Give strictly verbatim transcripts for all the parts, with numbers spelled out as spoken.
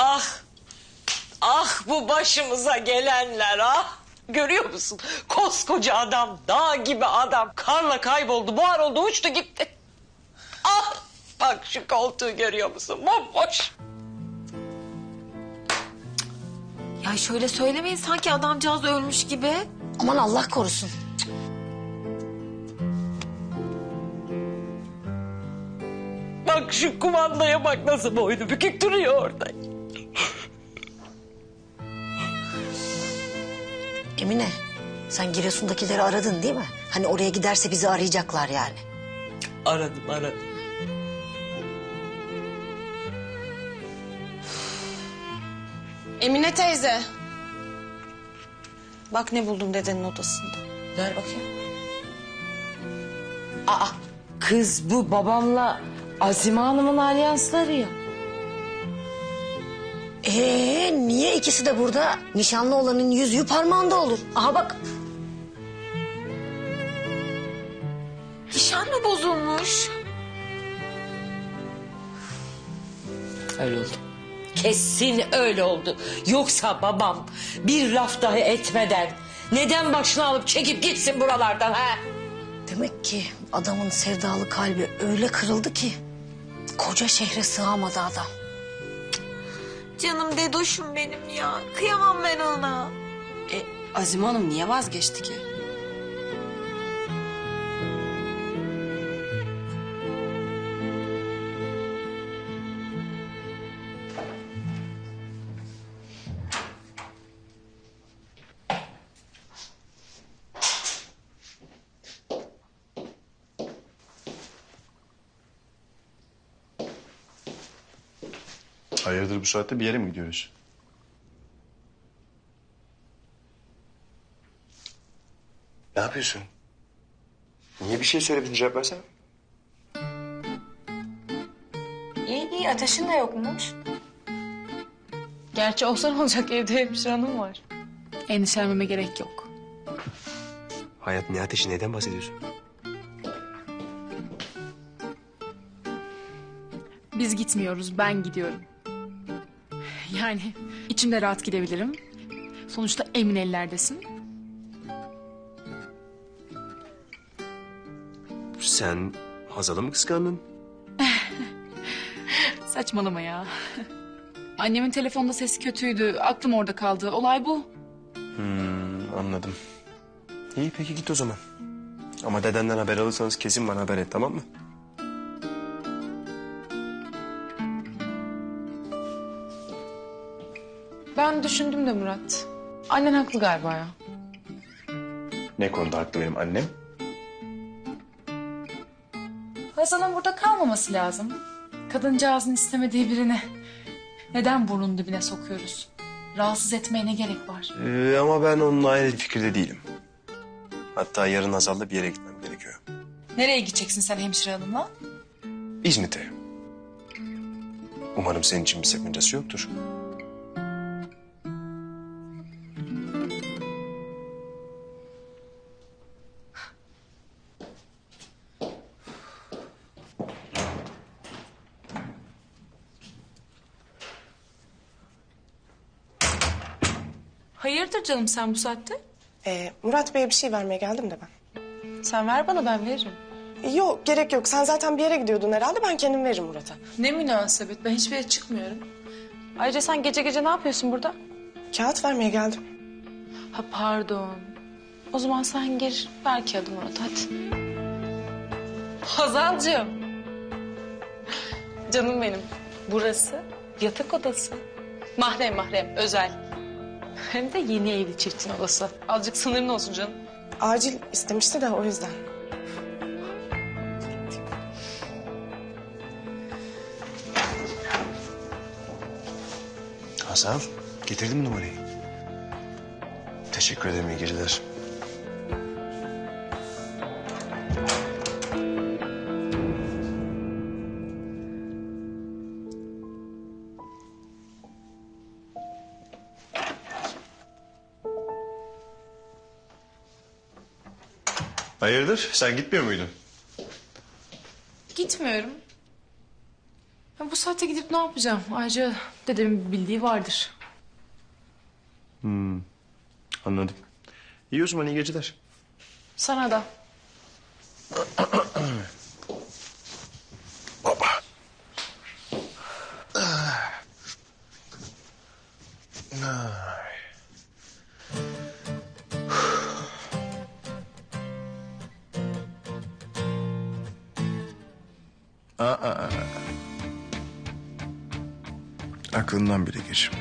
Ah, ah bu başımıza gelenler ah. Görüyor musun? Koskoca adam, dağ gibi adam karla kayboldu, buhar oldu, uçtu gitti. Ah, bak şu koltuğu görüyor musun? Bomboş. Ya şöyle söylemeyin sanki adamcağız ölmüş gibi. Aman Allah korusun. Bak şu kumandaya bak nasıl boynu bükük duruyor orada. Emine, sen Giresun'dakileri aradın değil mi? Hani oraya giderse bizi arayacaklar yani. Aradım aradım. Emine teyze. Bak ne buldum dedenin odasında. Ver bakayım. Aa, kız bu babamla Azime Hanım'ın alyansları ya. Ee, niye ikisi de burada? Nişanlı olanın yüzüğü parmağında olur. Aha bak. Nişan mı bozulmuş? Öyle oldu. Kesin öyle oldu. Yoksa babam bir laf dahi etmeden neden başını alıp çekip gitsin buralardan ha? Demek ki adamın sevdalı kalbi öyle kırıldı ki koca şehre sığamadı adam. Canım dedoşum benim ya. Kıyamam ben ona. E, Azime Hanım niye vazgeçti ki? Hayırdır bu saatte bir yere mi gidiyoruz? Ne yapıyorsun? Niye bir şey söylemedin, cevap versene. İyi iyi ateşin de yokmuş. Gerçi olsa ne olacak, evde hemşire hanım var. Endişelenmeme gerek yok. Hayat, ne ateşi, neden bahsediyorsun? Biz gitmiyoruz, ben gidiyorum. Yani içimde rahat gidebilirim. Sonuçta emin ellerdesin. Sen Hazal'ı mı kıskandın? Saçmalama ya. Annemin telefonda sesi kötüydü, aklım orada kaldı. Olay bu. Hmm, anladım. İyi peki git o zaman. Ama dedenden haber alırsanız kesin bana haber et, tamam mı? Ben düşündüm de Murat. Annen haklı galiba ya. Ne konuda haklı benim annem? Hazal'ın burada kalmaması lazım. Kadıncağızın istemediği birini neden burnun dibine sokuyoruz? Rahatsız etmeye ne gerek var? Ee, ama ben onunla aynı fikirde değilim. Hatta yarın Hazal'la bir yere gitmem gerekiyor. Nereye gideceksin sen hemşire hanımla? İzmit'e. Umarım senin için bir sakıncası yoktur. Hayırdır canım sen bu saatte? Ee, Murat Bey'e bir şey vermeye geldim de ben. Sen ver bana ben veririm. Ee, Yok gerek yok. Sen zaten bir yere gidiyordun herhalde. Ben kendim veririm Murat'a. Ne münasebet ben hiçbir yere çıkmıyorum. Ayrıca sen gece gece ne yapıyorsun burada? Kağıt vermeye geldim. Ha pardon. O zaman sen gir ver kağıdı Murat hadi. Hazalcığım. Canım benim. Burası yatak odası. Mahrem mahrem özel. Hem de yeni evli çiftin odası. Azıcık sınırın olsun canım. Acil istemişti de o yüzden. Hazal, getirdim numarayı. Teşekkür ederim, iyi geceler. Hayırdır, sen gitmiyor muydun? Gitmiyorum. Ha, bu saatte gidip ne yapacağım? Ayrıca dedemin bildiği vardır. Anladım. İyi o zaman iyi geceler. Sana da. Aklından bile geçirme.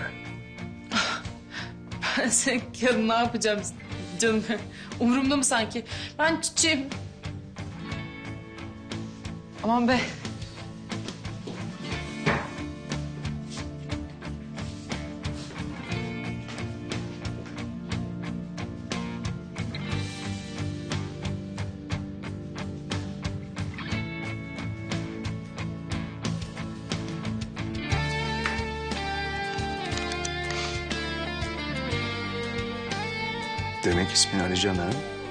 Ben senin yarın ne yapacağım canım? Umurumda mı sanki? Ben çiçeğim. Aman be. Demek ismin Alican ha?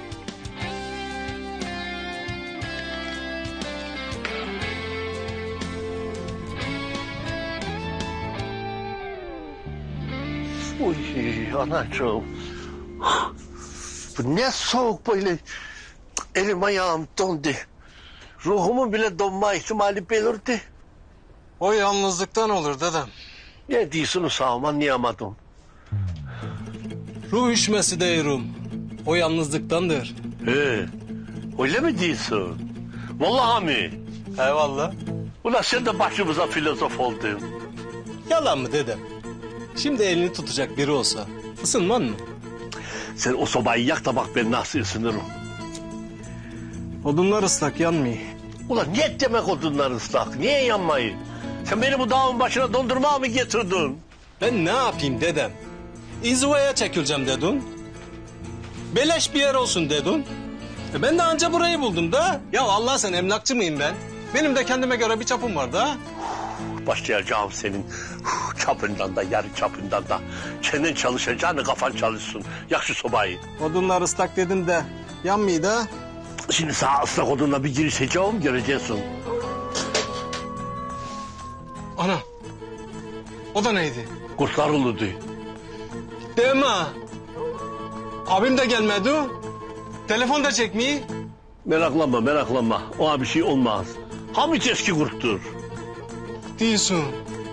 Uy anacığım. Bu ne soğuk böyle. Elim ayağım dondu. Ruhumun bile donma ihtimali belirdi. O yalnızlıktan olur dedem. Ne diyorsunuz sağım anlayamadım. Ruh üşmesi diyorum. O yalnızlıktandır. He, öyle mi diyorsun? Vallahi mi? Eyvallah. Ulan sen de başımıza filozof oldun. Yalan mı dedem? Şimdi elini tutacak biri olsa ısınman mı? Sen o sobayı yak da bak ben nasıl ısınırım. Odunlar ıslak yanmıyor. Ulan ne demek odunlar ıslak? Niye yanmayı? Sen beni bu dağın başına dondurmaya mı getirdin? Ben ne yapayım dedem? İnzivaya çekileceğim dedin. Beleş bir yer olsun dedin. E ben de anca burayı buldum da. Ya Allah sen emlakçı mıyım ben? Benim de kendime göre bir çapım var da. Başlayacağım senin çapından da yarı çapından da. Çenen çalışacağını kafan çalışsın. Yak şu sobayı. Odunlar ıslak dedim de yanmıyor da. Şimdi sağ ıslak odunla bir girişeceğim göreceksin. Ana. O da neydi? Kurtlar uludu. Deme. Abim de gelmedi. Telefon da çekmiyor. Meraklanma meraklanma. Ona bir şey olmaz. Hamit eski kurttur. Diyorsun.